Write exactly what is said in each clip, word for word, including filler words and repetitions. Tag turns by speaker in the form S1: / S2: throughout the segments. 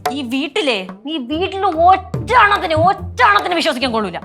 S1: ഈ വീട്ടിലെ ഈ വീട്ടിൽ ഒറ്റണത്തിന് ഒറ്റണത്തിന് വിശ്വസിക്കാൻ കൊള്ളൂല.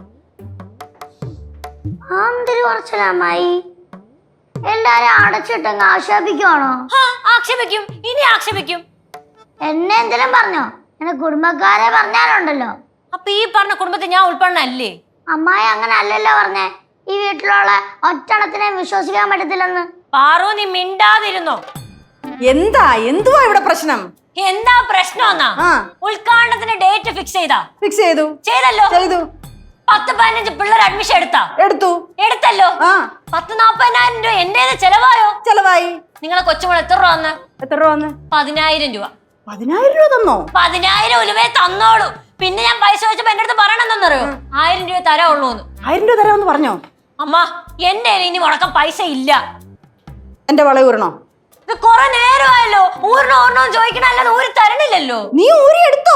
S2: അമ്മായി എല്ലാരും അടച്ചിട്ടങ്ങ് ആക്ഷേപിക്കുവാണോ?
S1: ആക്ഷേപിക്കും, ഇനി ആക്ഷേപിക്കും.
S2: എന്നെ എന്തെങ്കിലും പറഞ്ഞോ? എന്റെ കുടുംബക്കാരെ പറഞ്ഞാലുണ്ടല്ലോ.
S1: അപ്പൊ ഈ പറഞ്ഞ കുടുംബത്തിൽ ഞാൻ ഉൾപ്പെടണല്ലേ?
S2: അമ്മായി അങ്ങനെ അല്ലല്ലോ പറഞ്ഞേ, ഈ വീട്ടിലുള്ള ഒറ്റണത്തിനെ വിശ്വസിക്കാൻ പറ്റത്തില്ലെന്ന്.
S1: പാറു, നീ മിണ്ടാതിരുന്നോ?
S3: എന്താ എന്തുവാ ഇവിടെ പ്രശ്നം?
S1: എന്താ പ്രശ്നം? ഉദ്ഘാടനത്തിന് ഡേറ്റ് ഫിക്സ് ചെയ്താ?
S3: ഫിക്സ് ചെയ്തു.
S1: ചെയ്തല്ലോ.
S3: ചെയ്തു.
S1: പത്ത് പതിനഞ്ച് പിള്ളേർ അഡ്മിഷൻ എടുത്താ?
S3: എടുത്തു.
S1: എടുത്തല്ലോ. പത്ത് നാപ്പതിനായിരം രൂപ എന്റേത് ചെലവായോ?
S3: ചെലവായി.
S1: നിങ്ങളെ കൊച്ചുമോൾ എത്ര രൂപ വന്ന്?
S3: എത്ര രൂപ വന്ന്?
S1: പതിനായിരം രൂപ.
S3: പതിനായിരം രൂപ തന്നോ?
S1: പതിനായിരം ഉലുവേ തന്നോളൂ. പിന്നെ ഞാൻ പൈസ വെച്ചപ്പോ എന്റെ അടുത്ത് പറയണെന്നറിയോ? ആയിരം രൂപ തരാവുള്ളൂ.
S3: ആയിരം രൂപ തരാമെന്ന് പറഞ്ഞോ?
S1: അമ്മ, എന്റെ ഇനി മുടക്കം പൈസ ഇല്ല.
S3: എന്റെ വള ഊരണോ?
S1: ഇത് കൊറേ നേരമായല്ലോ. ഊരണോ ഊരണോ ചോദിക്കണല്ലാതെ ഊരി തരണില്ലല്ലോ.
S3: നീ ഊരി എടുത്തോ?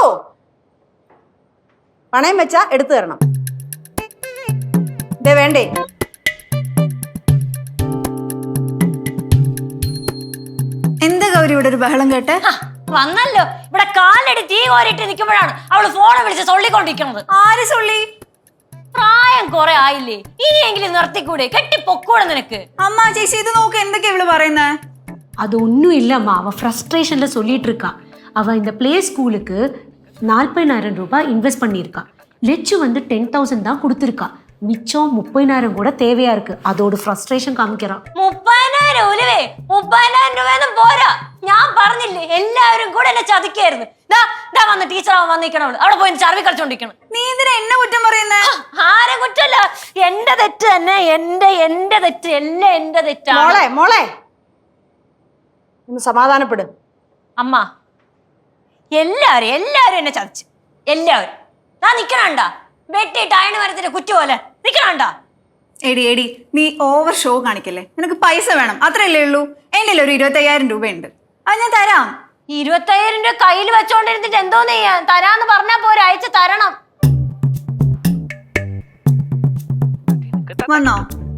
S3: പണയം വെച്ചാ എടുത്തു തരണം. ഇതേ വേണ്ടേ?
S4: എന്താ ഗൗരി ഇവിടെ ഒരു ബഹളം കേട്ടെ?
S1: വന്നല്ലോ. ഇവിടെ കാലടി തീ കോരിട്ട് നിൽക്കുമ്പോഴാണ് അവള് ഫോണെ വിളിച്ച് സൊള്ളിക്കൊണ്ടിരിക്കുന്നത്.
S4: ആര് സൊള്ളി?
S1: പ്രായം കൊറേ ആയില്ലേ, ഇനിയെങ്കിലും നിർത്തിക്കൂടെ? കെട്ടിപ്പൊക്കൂടെ നിനക്ക്?
S4: അമ്മ ചേച്ചി ഇത് നോക്ക്, എന്തൊക്കെയാ ഇവള് പറയുന്നേ?
S5: அது ஒன்றும் இல்லைம்மா, அவள் ஃப்ரஸ்ட்ரேஷனில் சொல்லிட்டு இருக்கா. அவள் இந்த பிளே ஸ்கூலுக்கு நாற்பதாயிரம் ரூபாய் இன்வெஸ்ட் பண்ணியிருக்கா. லெச்சு வந்து டென் தௌசண்ட் தான் கொடுத்துருக்கா. மிச்சம் முப்பதாயிரம் கூட தேவையா இருக்கு. அதோட ஃப்ரஸ்ட்ரേഷൻ കാണിക്കறா.
S1: മുപ്പതിനായിരം ഉലുവേ? മുപ്പതിനായിരം രൂപയൊന്നും പോരാ. ഞാൻ പറഞ്ഞില്ലേ, എല്ലാവരും കൂടെ എന്നെ ചതിക്കായിരുന്നു. ദാ ദാ വന്ന് ടീച്ചർ ആവാൻ വന്നിരിക്കണവള് അവിടെ പോയി ചർവി കളിച്ചോണ്ടിരിക്കണം.
S4: നീ എന്തിനാ എന്നെ കുറ്റം പറയുന്നേ?
S1: ആരെ കുറ്റല്ല, എന്റെ തെറ്റ് തന്നെ. എന്റെ എന്റെ തെറ്റ് എല്ലാം എന്റെ തെറ്റാണ്.
S3: മോളെ മോളെ ഒന്ന് സമാധാനപ്പെടും.
S1: അമ്മ, എല്ലാവരും എല്ലാവരും എന്നെ ചതിച്ചു. എല്ലാവരും. ഞാൻ നിക്കണണ്ട വെട്ടിയിട്ട് അയണ് മരത്തിന്റെ കുറ്റി പോലെ നിക്കണണ്ട.
S4: എടി എടി നീ ഓവർ ഷോ കാണിക്കല്ലേ. നിനക്ക് പൈസ വേണം, അത്രയല്ലേ ഉള്ളൂ. എന്റെ ഒരു ഇരുപത്തയ്യായിരം രൂപയുണ്ട്, അത് ഞാൻ തരാം.
S1: ഇരുപത്തയ്യായിരം രൂപ കയ്യിൽ വെച്ചോണ്ടിരുന്നിട്ട് എന്തോന്ന് ചെയ്യാൻ? തരാന്ന് പറഞ്ഞാ പോരെ, അയച്ചു തരണം.
S4: വന്നോ?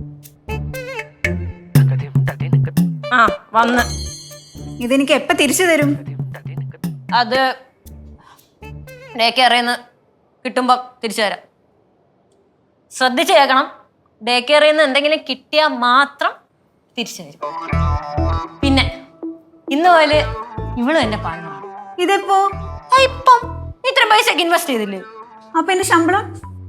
S1: ആ വന്ന്.
S4: ഇതെനിക്ക് എപ്പ തിരിച്ചു തരും?
S1: അത് ഡേ കെയറിന്ന് കിട്ടുമ്പോ തിരിച്ചു തരാം. ശ്രദ്ധിച്ചു കേൾക്കണം, ഡേ കെയറിന്ന് എന്തെങ്കിലും കിട്ടിയാൽ മാത്രം തിരിച്ചു തരും. പിന്നെ ഇന്ന് പോലെ ഇവളും എന്നെ പാടുന്നതാണ്.
S4: ഇതെപ്പോ?
S1: ഇപ്പം ഇത്ര പൈസക്ക് ഇൻവെസ്റ്റ് ചെയ്തില്ലേ?
S4: അപ്പൊ എന്റെ ശമ്പളം?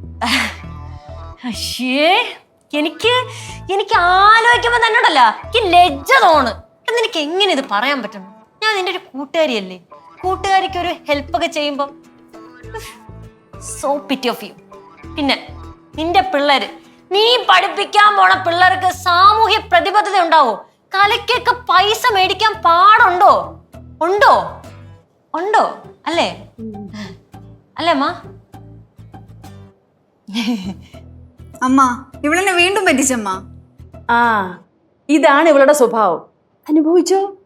S1: അശ്ശേ, എനിക്ക് എനിക്ക് ആലോചിക്കുമ്പോ തന്നെ ഉണ്ടല്ലോ എനിക്ക് ലജ്ജ തോണ്. നിനക്ക് എങ്ങനെ ഇത് പറയാൻ പറ്റണം? ഞാൻ നിന്റെ ഒരു കൂട്ടുകാരിയല്ലേ. കൂട്ടുകാരിക്ക് ഒരു ഹെൽപ്പ് ഒക്കെ ചെയ്യുമ്പോ സോ പിറ്റി ഓഫ് യു. പിന്നെ നിന്റെ പിള്ളേര്, നീ പഠിപ്പിക്കാൻ പോണ പിള്ളേർക്ക് സാമൂഹ്യ പ്രതിബദ്ധത ഉണ്ടാവോ? കലയ്ക്കൊക്കെ പൈസ മേടിക്കാൻ പാടുണ്ടോ? ഉണ്ടോ? ഉണ്ടോ? അല്ലേ അല്ലേ അമ്മ?
S4: അമ്മ ഇവളെന്നെ വീണ്ടും പറ്റിച്ചമ്മ.
S3: ആ ഇതാണ് ഇവളുടെ സ്വഭാവം. അനുഭവിച്ചോ?